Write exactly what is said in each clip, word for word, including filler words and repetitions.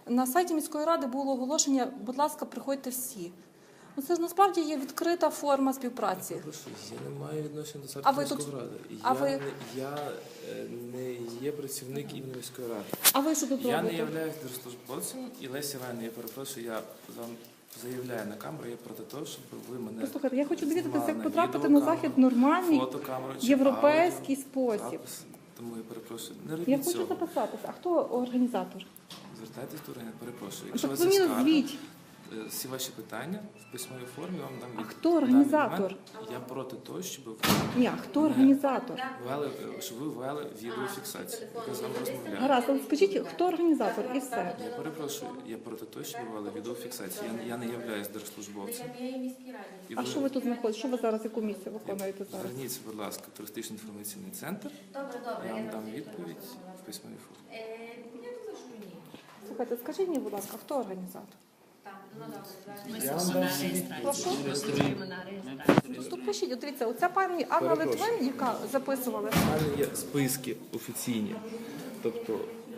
на сайті міської ради було оголошення, будь ласка, приходьте всі. Ну, це ж насправді є відкрита форма співпраці. Прошу, я не маю відношення до А сайті ви міської тут- ради. а Я, ви- не, я е, не є працівник імені міської ради. А ви що тут Я не робите? являюсь держслужбовцем, і Леся Іванівна, я перепрошую, я вам заявляю на камеру, я проти того, щоб ви мене Послухайте, я хочу довідатися, знімали як на потрапити на відеокамеру, захід в нормальний, фотокамеру чи європейський аудіо, спосіб. запис. Тому я перепрошую, не робіть Я хочу цього. записатися. А хто організатор? Звертайтесь до органів, перепрошую. Якщо Так у ви вас є мені скарга, назвіть. е, всі ваші питання в письмовій формі вам дам А відповідь. хто В даний організатор? момент Я проти того, щоб ви Ні, а хто організатор? ввели, е, щоб ви ввели відеофіксацію. Я з вами розмовляю. Гаразд, але скажіть, хто організатор і все. Я перепрошую, я проти того, щоб ви ввели відеофіксацію. Я, я не являюсь держслужбовцем. І А що ви тут знаходите? Що ви зараз, яку місію виконуєте зараз? Зверніться, будь ласка, в туристичний інформаційний центр. Добре, добре. Я вам дам розумію, відповідь що в письмовій формі. Е, Я думаю, що ні. Слухайте, скажіть мені, будь ласка, хто організатор? Так, ну добре. Я вам дам всі відповіді. Прошу? Реєструємо на реєстрацію. Тут пишіть, от дивіться, оця пані Анна Перепрошую. Литвин, яка записувала. У мене є списки офіційні. Тобто,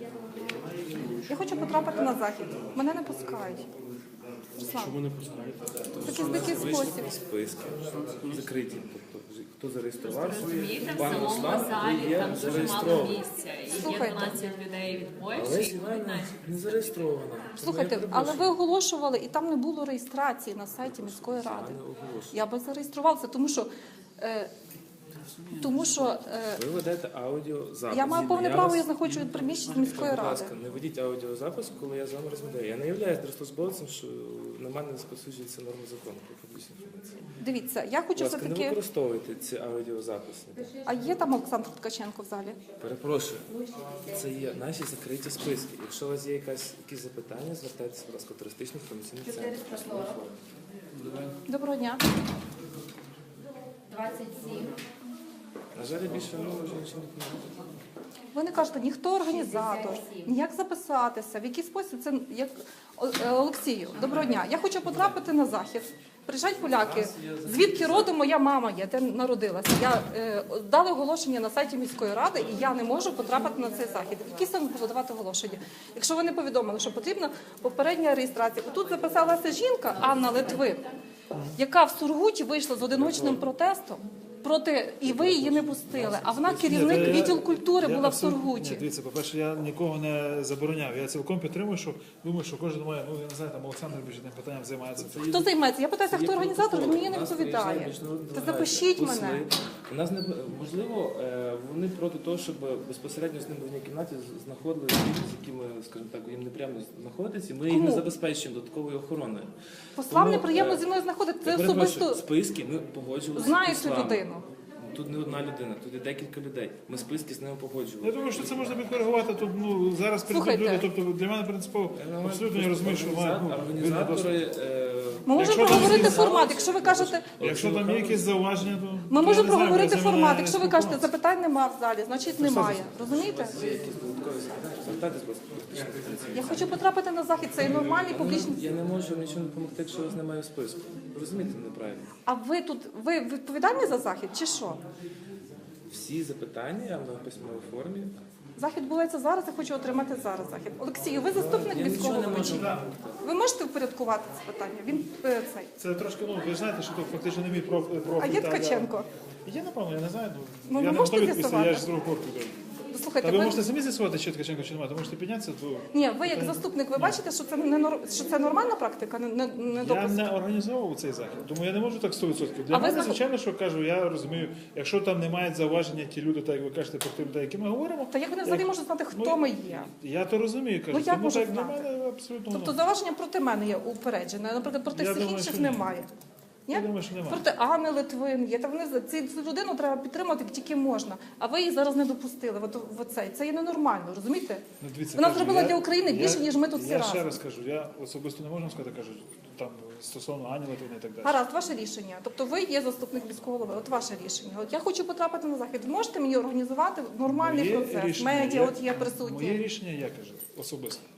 Я хочу потрапити на захід. Мене не пускають. Руслан, Чому не пускаєте? в такий дикий спосіб. списки закриті. Тобто, хто зареєструвався, Розумієте, в пан самому Руслан, ви залі є там дуже мало зареєстрований. місця. І є Слухайте. дванадцять людей від Але Польщі, і Івана одинадцять. не зареєстрована. Тому Слухайте, я але перепрошую. ви оголошували, і там не було реєстрації на сайті міської Я ради. не оголошую. Я би зареєструвалася, тому що, е, тому що е, Ви ведете аудіозапис. я маю повне Я право, вас- я знаходжу від приміщення міської Будь ради. ласка, не ведіть аудіозапис, коли я з вами розмовляю. Я не являюсь держслужбовцем, що на мене не розповсюджується норми закону про публічну інформацію. Дивіться, я Будь хочу ласка, не все-таки... використовуйте ці аудіозаписи. А є там Олександр Ткаченко в залі? Перепрошую, це є наші закриті списки. Якщо у вас є якась, якісь запитання, звертайтеся, будь ласка, в туристичний інформаційний центр. Доброго дня. двадцять сім. На жаль, я більше ну, вже нічого не знаю. Ви не кажете, ніхто організатор, ніяк записатися, в який спосіб це як О- е, Олексію. Доброго дня. Я хочу потрапити на захід. Приїжджають поляки. Звідки родом моя мама є, де народилася. Я е, дали оголошення на сайті міської ради, і я не можу потрапити на цей захід. Які саме було давати оголошення? Якщо ви не повідомили, що потрібна попередня реєстрація. Тут записалася жінка Анна Литвин, яка в Сургуті вийшла з одиночним протестом. Проти і ви її не пустили. А вона керівник Ні, та я- відділу культури я була в абсолютно- Сургуті. Ні, дивіться, по-перше, я нікого не забороняв. Я цілком підтримую, що думаю, що кожен має, ну я не знаю, там Олександр більше тим питанням займається. Це Хто займається? Я питаюся, Є хто організатор, він мені не протокол. У нас відповідає. приїжджає міжнародна Та делегація, запишіть посли. мене. У нас не можливо, е, вони проти того, щоб безпосередньо з ними в одній кімнаті знаходили людей, з якими, скажімо так, їм неприємно знаходитися. Ми їх Кому? не забезпечуємо додатковою охороною. Послам Тому, неприємно е, зі мною знаходити. Це Я перепрошую, особисто списки ми погоджувалися. знаю з цю вами. людину. Тут не одна людина, тут є декілька людей. Ми списки з ними погоджували. Я думаю, що це можна підкоригувати. Тут ну зараз прийдуть Слухайте. люди. Тобто для мене принципово абсолютно я розумію, що має ну, вільний доступ. Організатори, е, Ми можемо Якщо там проговорити якісь- формат. Якщо ви кажете, Якщо там є якісь зауваження, то ми я можемо не знаю, проговорити ми за мене формат. Якщо ви кажете, спілкуватися. запитань нема в залі, значить немає. Розумієте? є якісь додаткові запитання, звертайтесь, будь ласка. Я хочу потрапити на захід. Це і нормальний публічний. Я не можу нічого не допомогти, якщо вас немає в списку. Ви розумієте неправильно. А ви тут ви відповідальні за захід чи що? Всі запитання я вам дам в письмовій формі. Захід відбувається зараз. Я хочу отримати зараз захід. Олексію, ви заступник Я міського нічого не голови. можу. Ви можете впорядкувати це питання? Він е, цей. Це трошки, ну ви ж знаєте, що тут фактично не мій проф- профіль. А є та, я- Ткаченко? Є, напевно, я не знаю. Ну, Ну, ви я не можете готовий відповісти, я ж з з'ясувати? другого боку. йду. Слухайте, Та ви ви можете самі з'ясувати, чи Ткаченко, чи немає, то можете піднятися, то ні, ви як заступник, ви бачите, що це не нор- що це нормальна практика, не, не, не я допуск? не організовував цей захід, тому я не можу так сто відсотків. Для А ви мене, знаход- звичайно, що кажу, я розумію, якщо там не мають зауваження ті люди, так як ви кажете, про ті людей, які ми говоримо, Та як вони взагалі можуть знати, хто Ну, ми є? я то розумію, кажу. Ну, як тому можуть так для знати? мене абсолютно. Тобто ну, зауваження проти мене є упереджене, а, наприклад, проти Я всіх думаю, інших що ні. немає. Ні? Я думаю, що немає. Проти Анни Литвин є. Та вони за- ці- цю людину треба підтримати як тільки можна. А ви її зараз не допустили. От, в оцей. Це є ненормально, розумієте? Ну, дивіться, Вона кажу, зробила я- для України більше, ніж ми тут всі Я разом. ще раз кажу, я особисто не можу сказати, кажу, там стосовно Ані Литвини і так далі. Гаразд, ваше рішення. Тобто ви є заступник міського голови. От ваше рішення. От я хочу потрапити на захід. Можете мені організувати нормальний Моє процес? рішення, Медіа я- от є присутні. Моє рішення, я кажу, особисто.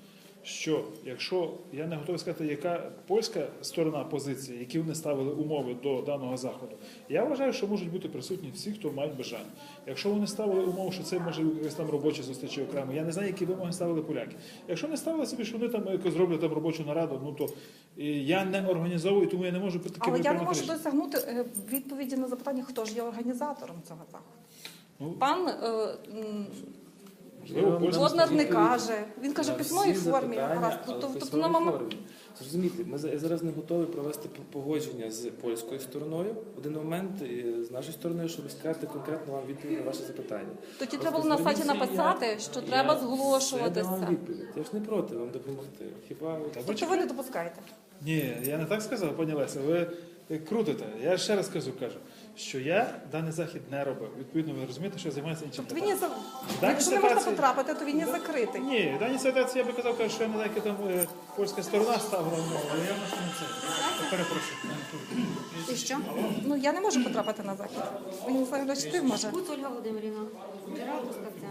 що якщо я не готовий сказати, яка польська сторона позиції, які вони ставили умови до даного заходу, я вважаю, що можуть бути присутні всі, хто мають бажання. Якщо вони ставили умови, що це може якась там робоча зустріч окремо, я не знаю, які вимоги ставили поляки. Якщо не ставили собі, що вони там якось зроблять там робочу нараду, ну то е, я не організовую, тому я не можу таке Але я не приймати можу рішення. досягнути е, відповіді на запитання, хто ж є організатором цього заходу. Ну, Пан е, м, можливо, польська Боднар не відповідь каже. Він каже в на письмовій всі формі. запитання, Гаразд. але в Тобто, тобто письмовій на момент. формі. Зрозумійте, ми за- я зараз не готовий провести п- погодження з польською стороною в один момент і з нашою стороною, щоб сказати конкретно вам відповідь на ваше запитання. Тоді Просто треба було на сайті зверніться, написати, я- що я треба все зголошуватися. дам вам відповідь. Я ж не проти вам допомогти. Хіба от- Тобто ви не допускаєте. Ні, я не так сказав, пані Леся, ви крутите. Я ще раз кажу, кажу, що я даний захід не робив. Відповідно, ви розумієте, що я займаюся іншим Тобто він є питанням. за- Дані Якщо не можна ситуації- потрапити, то він є закритий. Ні, в даній ситуації я би казав, кажу, що я не знаю, яка там е, польська сторона ставила умови, але я на що не це. Я перепрошую. І що? Ну я не можу потрапити на захід. Він не знаю, чи ти може. Гуц Ольга Володимирівна. Джерел Трускавця.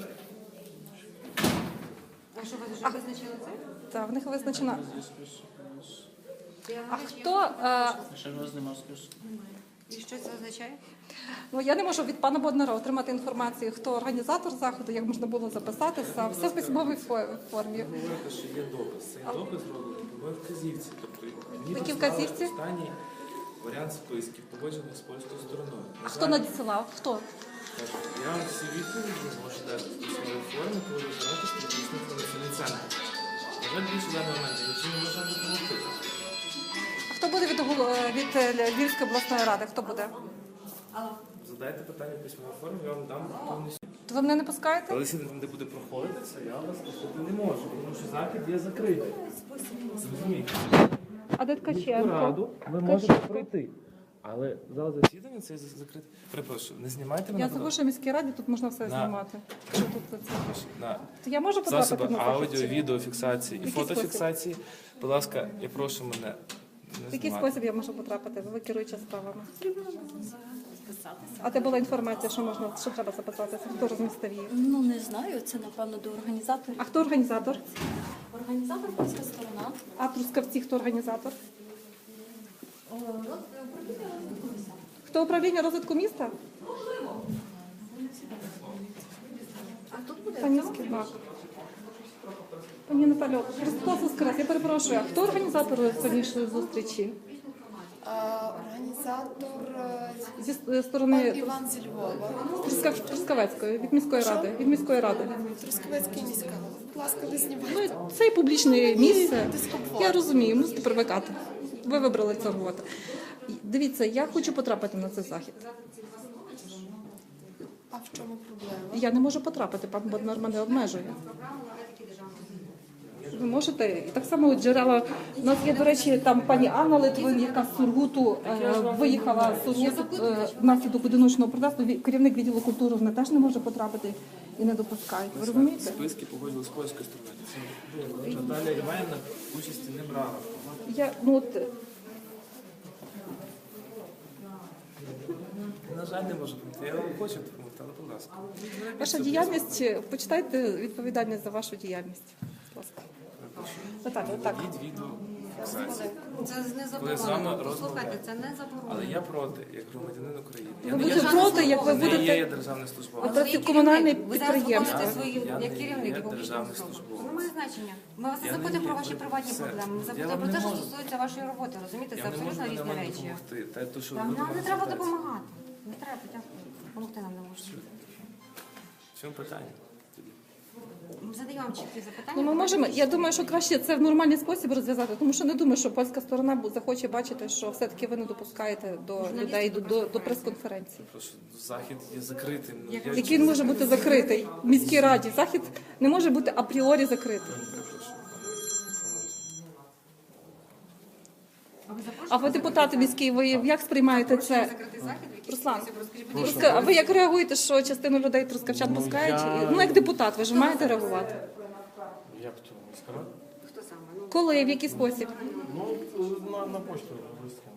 А що ви вже визначили це? Так, в них визначена. Я А говорю, хто? е, І що це означає? Ну я не можу від пана Боднара отримати інформацію, хто організатор заходу, як можна було записатися. Все в письмовій фо- формі. Ви говорите, що є допис. Цей допис зроблений по моїй вказівці. Тобто мені Які доставили вказівці? останній варіант списків, погоджених з польською стороною. А На хто жаль, надсилав? Хто? кажу, я вам всі відповіді можу дати в письмовій формі, коли ви збираєтесь прийти інформаційний центр. На жаль, більше в даний момент я нічим не можу допомогти. А хто буде від, гол- е, від е, Львівської обласної ради? Хто буде? Задайте питання в письмовій формі, я вам дам повністю. То ви мене не пускаєте? Але якщо не буде проходити це, я вас пустити не можу, тому що захід є закритий. Зрозумійте. А де Міську Ткаченко? раду ви можете пройти. Але зал засідання це закрите. Перепрошую, не знімайте мене. Я будь забув, ласка. що в міській раді тут можна все На. знімати. Що тут це? На То я можу потрапити засобах на захід? аудіо, чи ні? відеофіксації і Який фотофіксації. Будь ласка, я прошу мене В не який знімати. спосіб я можу потрапити? Ви керуючи справами. А де була інформація, що можна, що треба записатися? Хто розмістив її? Ну не знаю, це напевно до організаторів. А хто організатор? Організатор польська сторона. А Трускавці хто організатор? Хто управління розвитку міста? А тут буде? Пані Скідмак. Пані Наталю, Христос Воскрес, я перепрошую, а хто організатор сьогоднішньої зустрічі? А, Організатор е, Зі пан сторони Іван зі Львова, Трускав... Трускавецької, від міської ради. Від міської ради. Трускавецький міська. Будь ласка, не знімайте. Ну, це і публічне місце. Я розумію, мусите привикати. Ви вибрали цю роботу. Дивіться, я хочу потрапити на цей захід. А в чому проблема? Я не можу потрапити, пан Боднар мене обмежує. Ви можете, і так само джерела. У нас є, до речі, там пані Анна Литвин, яка з Сургуту е, виїхала з Сургуту е, внаслідок одиночного протесту. Ві- Керівник відділу культури вона теж не може потрапити і не допускають. Ви розумієте? Списки погодили з польської сторони. Це було. Наталія Іванівна участі не брала. Я, ну, от, На жаль, не можу допомогти. Я вам хочу допомогти, але будь ласка. ваша діяльність, почитайте відповідальність за вашу діяльність. Будь ласка. Наталя, так. Від відео фіксації. Це не Коли з вами заборонено. розмовляю. Слухайте, це не заборонено. Але я проти, як громадянин України. Я Ви не є будете проти, як ви не є будете. я державний службовець. Ви Ви є комунальне керівник. Ви зараз підприємство. виконуєте свої Я як не керівник є і публічного державний службу. службовець. Це не має значення. Ми вас не Я не запитуємо є, про ваші ви- приватні все. проблеми. Ми Я запитуємо вам про не те, що можу. стосується вашої роботи. Розумієте, це Я не можу абсолютно вам різні нормально речі. допомогти. Та, то, що Нам ви до нам не мене треба звертаєтесь. допомагати. Не треба, дякую. Допомогти нам не можна. В чому питання? Ми задаємо вам чіткі запитання. Ну, ми можемо. Я думаю, що краще це в нормальний спосіб розв'язати, тому що не думаю, що польська сторона бу- захоче бачити, що все-таки ви не допускаєте до людей до, до, до прес-конференції. Просто захід є закритим. Ну, я Який він може бути закритий в міській раді. Захід не може бути апріорі закритий. перепрошую. А ви запрошуєте А ви депутати міські, ви як сприймаєте це? закритий захід? В який Руслан, спосіб? Розкажіть, будь ласка. Руска- а ви як реагуєте, що частину людей трускавчан пускають? Ну як депутат, ви ж маєте реагувати. Як то сказати? Хто саме? Ну, Коли, в який спосіб? Ну, на, на почту вискаємо.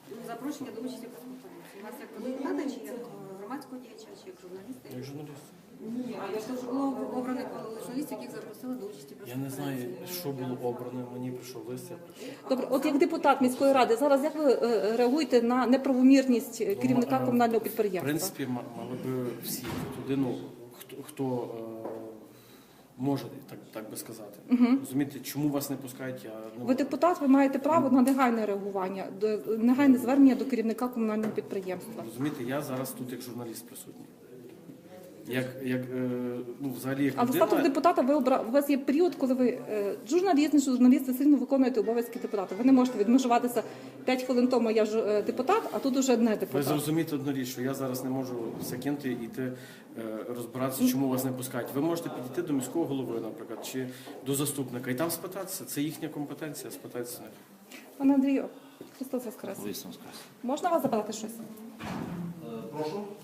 запрошення до участі в прес-конференції. У вас як депутата чи як е, громадського діяча, чи як журналіста? Як журналіст. Ні, а я ж теж було обраних журналістів, яких запросили до участі. Я не знаю, що було обрано, мені прийшов лист, я прийшов. Добре, от як депутат міської ради, зараз як ви е, реагуєте на неправомірність е, керівника Ну, е, комунального В підприємства? принципі, ма- мали би всі туди, ну, хто, хто е, може, так, так би сказати. Розумієте, чому вас не пускають, я не Ви можу. депутат, ви маєте право на негайне реагування, до негайне звернення до керівника комунального підприємства. Розумієте, я зараз тут як журналіст присутній. Як, як е, ну, взагалі, як Але в статус людина, депутата ви обра... у вас є період, коли ви е, журналіст, не журналіст, ви сильно виконуєте обов'язки депутата. Ви не можете відмежуватися п'ять хвилин тому я ж е, депутат, а тут уже не ви депутат. зрозумієте одну річ, що я зараз не можу все кинути і йти е, розбиратися, чому вас не пускають. Ви можете підійти до міського голови, наприклад, чи до заступника, і там спитатися. Це їхня компетенція, спитатися них. Пане Андрію, Христос Воскрес. Воістину скажу. Можна вас запитати щось? Прошу.